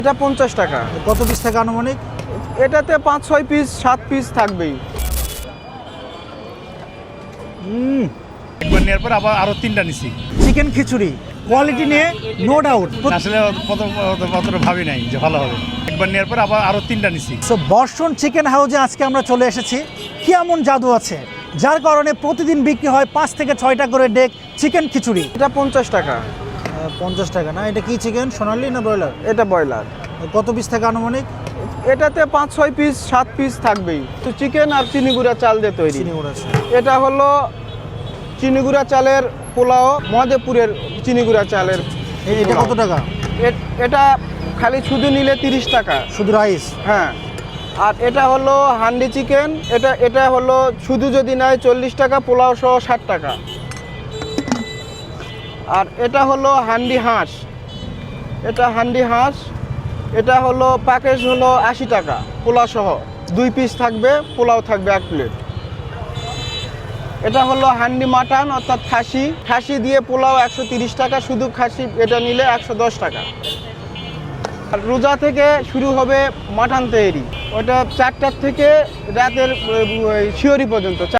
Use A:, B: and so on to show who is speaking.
A: এটা 50 টাকা।
B: কত পিস থাকে আনুমানিক?
A: এটাতে 5-6 পিস 7 পিস থাকবেই।
C: একবার নেওয়ার পর আবার আরো 3টা নিছি।
B: চিকেন খিচুড়ি কোয়ালিটি নিয়ে নো ডাউট।
C: আসলে অতটা ভাবি নাই যে ভালো হবে। একবার নেওয়ার পর আবার আরো 3টা নিছি।
B: সো বর্ষণ চিকেন হাউসে আজকে আমরা চলে এসেছি। কি এমন জাদু আছে যার কারণে প্রতিদিন বিক্রি হয় 5 থেকে 6টা করে ডেক চিকেন খিচুড়ি?
A: এটা 50 টাকা।
B: 50 টাকা না? এটা কি চিকেন, সোনালি না ব্রয়লার?
A: এটা ব্রয়লার।
B: কত পিস থাকে আনুমানিক?
A: এটাতে 5-6 পিস 7 পিস থাকবেই। তো চিকেন আর চিনি গুঁড়া চাল দিয়ে তৈরি।
B: চিনি গুঁড়া আছে।
A: এটা হলো চিনি গুঁড়া চালের পোলাও, মধেপুরের চিনি গুঁড়া চালের।
B: এটা কত টাকা?
A: এটা খালি শুধু নিলে 30 টাকা।
B: শুধু রাইস?
A: হ্যাঁ। আর এটা হলো হান্ডি চিকেন। এটা হলো শুধু যদি নেয় 40 টাকা, পোলাও সহ 60 টাকা। আর এটা হলো হান্ডি হাঁস। এটা হান্ডি হাঁস। এটা হলো প্যাকেজ হলো 80 টাকা পোলাও সহ। 2 পিস থাকবে, পোলাও থাকবে 1 প্লেট। এটা হলো হান্ডি মাটন অর্থাৎ খাসি। খাসি দিয়ে পোলাও 130 টাকা, শুধু খাসি এটা নিলে 110 টাকা। আর রোজা থেকে শুরু হবে মাটন তৈরি। ওটা 4টার থেকে রাতের শিহরি পর্যন্ত।